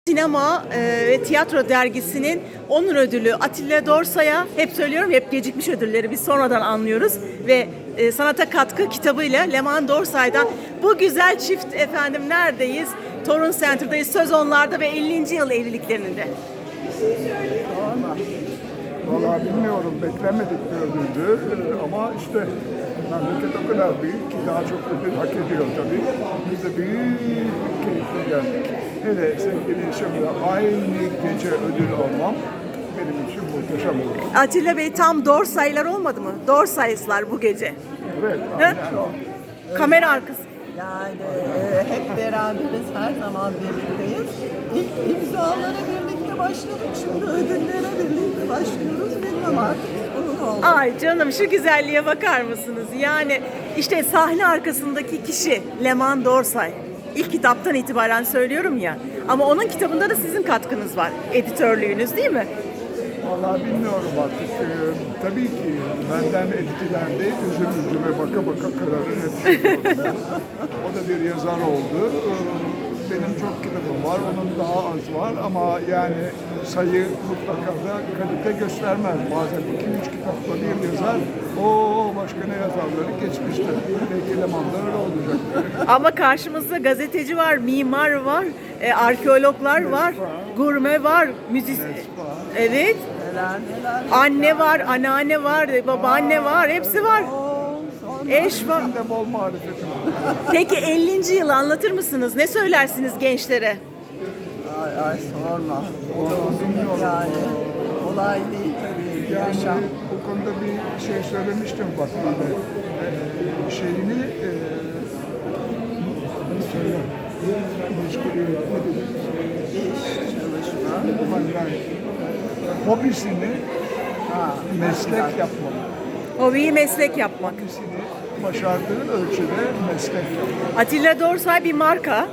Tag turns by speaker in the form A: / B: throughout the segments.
A: Sinema ve Tiyatro Dergisi'nin onur ödülü Atilla Dorsay'a, hep söylüyorum, hep gecikmiş ödülleri biz sonradan anlıyoruz ve sanata katkı kitabıyla Leman Dorsay'dan bu güzel çift efendim neredeyiz? Torun Center'dayız. Söz onlarda ve 50. yıl evliliklerinde.
B: Vallahi bilmiyorum, beklemedik bir ödüldü ama işte memleket o kadar büyük ki daha çok ödül hak ediyor tabii. Biz de büyük bir keyifle geldik. Hele sevgili eşimle aynı gece ödül almam benim için muhteşem oldu.
A: Atilla Bey, tam Dorsay'lar olmadı mı? Dorsay'lar bu gece.
B: Evet,
A: He?
B: aynen.
A: Kamera arkası.
C: Yani hep beraberiz, her zaman birlikteyiz. İlk imzalara birlikte başladık, şimdi ödüllere birlikte başlıyoruz. Bilmem artık onun oldu.
A: Ay canım, şu güzelliğe bakar mısınız? Yani işte sahne arkasındaki kişi Leman Dorsay. İlk kitaptan itibaren söylüyorum ya. Ama onun kitabında da sizin katkınız var. Editörlüğünüz değil mi?
B: Vallahi bilmiyorum artık. Tabii ki benden etkilendi. Üzüme baka baka kararı hep. O da bir yazar oldu. Benim çok kitabım var, onun daha az var ama yani sayı mutlaka da kalite göstermez. Bazen 2-3 kitapla bir yazar, o başka ne yazarları geçmiştir. Belki Leman'da öyle olacak.
A: Ama karşımızda gazeteci var, mimar var, arkeologlar var, gurme var, evet,
C: Neler.
A: anne var, anneanne var, babaanne var, hepsi var. Eş var.
B: Bizim de bol marifetim var.
A: Peki 50. yılı anlatır mısınız? Ne söylersiniz gençlere?
C: Ay sorma. O da uzun yani. Kolay değil tabii yaşam.
B: Yani bu konuda bir şey söylemiştim bak böyle şeyini söyle. Meşguliyet ne dedik?
C: İş, çalışma.
B: Yani hobisini meslek yapmalı.
A: Hobiyi meslek yapmak.
B: Hobisini başardığı ölçüde meslek yapmalı.
A: Atilla Dorsay bir marka.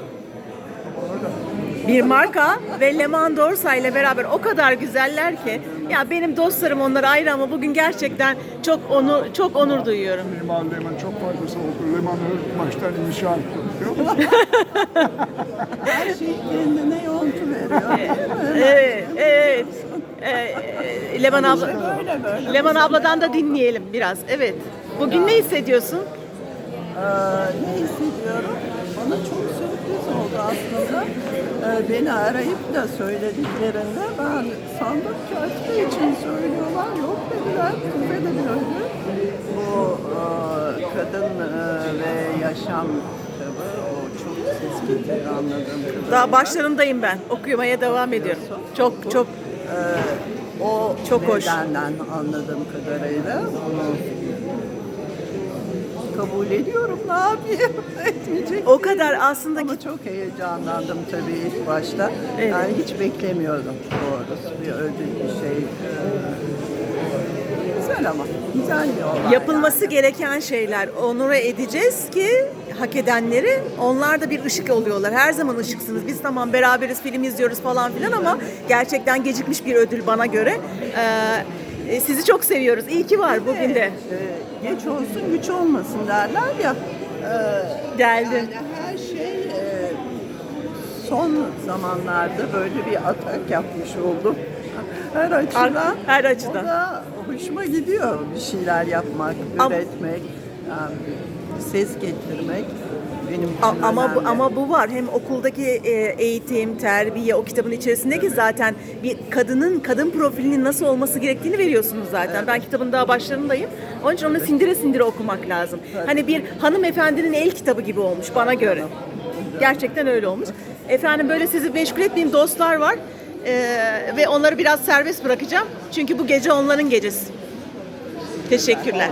A: Bir marka ve Leman Dorsay ile beraber o kadar güzeller ki, ya benim dostlarım onlar ayrı ama bugün gerçekten çok onur duyuyorum.
B: Mimar Leman çok faydası oldu. Leman'ı baştan inşa etti biliyor musun?
C: Her şey kendine yontu veriyor.
A: Evet. Leman abla,
C: Böyle.
A: Leman abladan da dinleyelim biraz. Evet. Bugün ne hissediyorsun?
C: Ne hissediyorum? Bana çok sürpriz oldu aslında. Beni arayıp da söylediklerinde ben sandım ki Atilla için söylüyorlar. Yok dediler, bize de bir ödül. Bu kadın ve yaşam kitabı, o çok ses getiriyor anladığım kadarıyla.
A: Daha başlarındayım ben. Okumaya devam ediyorum. Çok
C: O
A: çok hoş.
C: nedenden anladığım kadarıyla onu kabul ediyorum. Ne yapayım? Etmeyecek
A: O
C: değilim.
A: kadar aslında
C: Ama çok heyecanlandım tabii ilk başta.
A: Evet.
C: Yani hiç beklemiyordum doğrusu bir ödül bir şey. Güzel ama güzel bir olay.
A: yapılması
C: yani.
A: gereken şeyler, onure edeceğiz ki hak edenleri, onlar da bir ışık oluyorlar. Her zaman ışıksınız. Biz tamam beraberiz, film izliyoruz falan filan ama gerçekten gecikmiş bir ödül bana göre. Sizi çok seviyoruz. İyi ki var bugün de.
C: Geç olsun güç olmasın derler ya.
A: Geldi.
C: Yani her şey son zamanlarda böyle bir atak yapmış oldum. Her açıdan.
A: Her açıdan.
C: O da hoşuma gidiyor bir şeyler yapmak,
A: Ama-
C: üretmek, yani ses getirmek. Benim için önemli.
A: Ama bu var. Hem okuldaki eğitim, terbiye, o kitabın içerisindeki zaten bir kadın profilinin nasıl olması gerektiğini veriyorsunuz zaten. Ben kitabın daha başlarındayım. Onun için onu sindire sindire okumak lazım. Hani bir hanımefendinin el kitabı gibi olmuş bana göre. Gerçekten öyle olmuş. Efendim, böyle sizi meşgul etmeyeyim, dostlar var. Ve onları biraz serbest bırakacağım. Çünkü bu gece onların gecesi. Teşekkürler.